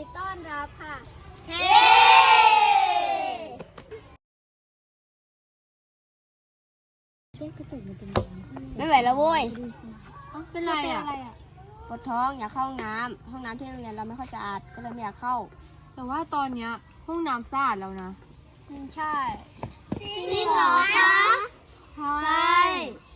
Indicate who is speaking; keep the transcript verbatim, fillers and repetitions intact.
Speaker 1: ต้อนรับค่ะเฮ้
Speaker 2: ไม่ไหวแล้วโว้ย
Speaker 1: เป็นไรอ่ะ
Speaker 2: ปวดท้องอยากเข้าห้องน้ำห้องน้ำที่โรงเรียนเราไม่ค่อยสะอาดก็เลยไม่อยากเข้า
Speaker 3: แต่ว่าตอนเนี้ยห้องน้ำสะอาดแล้วนะ
Speaker 1: ใช่จริงเหรอคะ
Speaker 3: ใช่